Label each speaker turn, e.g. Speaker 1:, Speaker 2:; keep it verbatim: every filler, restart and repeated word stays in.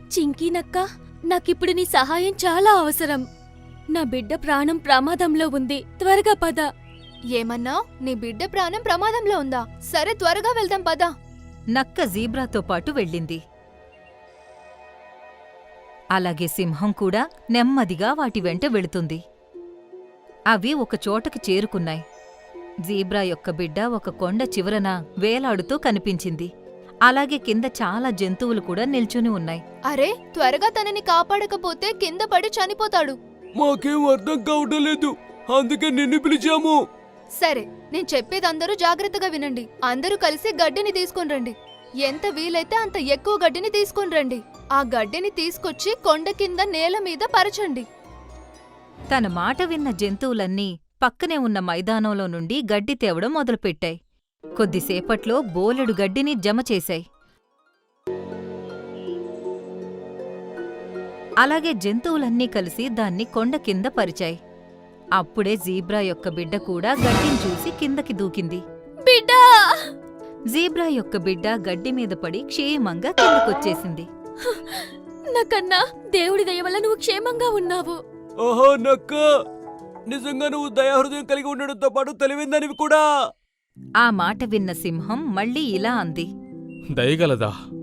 Speaker 1: చింకీనక్క, నాకిప్పుడు నీ సహాయం చాలా అవసరం. నా బిడ్డ ప్రాణం ప్రమాదంలో ఉంది, త్వరగా పద.
Speaker 2: ఏమన్నావ్? నీ బిడ్డ ప్రాణం ప్రమాదంలో ఉందా? సరే, త్వరగా వెళ్దాం పద.
Speaker 3: నక్క జీబ్రాతో పాటు వెళ్ళింది. అలాగే సింహం కూడా నెమ్మదిగా వాటి వెంట వెళుతుంది. అవి ఒక చోటకి చేరుకున్నాయి. జీబ్రా యొక్క బిడ్డ ఒక కొండ చివరన వేలాడుతూ కనిపించింది. అలాగే కింద చాలా జంతువులు కూడా నిల్చుని ఉన్నాయి.
Speaker 2: అరే, త్వరగా తనని కాపాడకపోతే కింద పడి చనిపోతాడు.
Speaker 4: మాకేం అర్థం కావటం లేదు, అందుకే నిన్ను పిలిచాము.
Speaker 2: సరే, నేను చెప్పేది అందరూ జాగ్రత్తగా వినండి. అందరూ కలిసి గడ్డిని తీసుకుని రండి. ఎంత వీలైతే అంత ఎక్కువ గడ్డిని తీసుకుని రండి. ఆ గడ్డిని తీసుకొచ్చి కొండ కింద నేల మీద పరచండి.
Speaker 3: తన మాట విన్న జంతువులన్నీ పక్కనే ఉన్న మైదానంలో నుండి గడ్డి తేవడం మొదలుపెట్టాయి. కొద్దిసేపట్లో బోలెడు గడ్డిని జమ చేశాయి. అలాగే జంతువులన్నీ కలిసి దాన్ని కొండ కింద పరిచాయి. అప్పుడే జీబ్రా యొక్క బిడ్డ కూడా గడ్డిని చూసి కిందకి దూకింది.
Speaker 1: బిడ్డా!
Speaker 3: జీబ్రా యొక్క బిడ్డ గడ్డి మీద పడి క్షేమంగా కిందకొచ్చేసింది.
Speaker 1: నాకన్నా దేవుడి దయ వల్ల నువ్వు క్షేమంగా ఉన్నావు.
Speaker 4: ఓహో నక్క, నిజంగా నువ్వు దయాహృదయం కలిగి ఉండడంతో పాటు తెలివిందనివి కూడా.
Speaker 3: ఆ మాట విన్న సింహం మళ్ళీ ఇలా అంది.
Speaker 5: దయగలదా?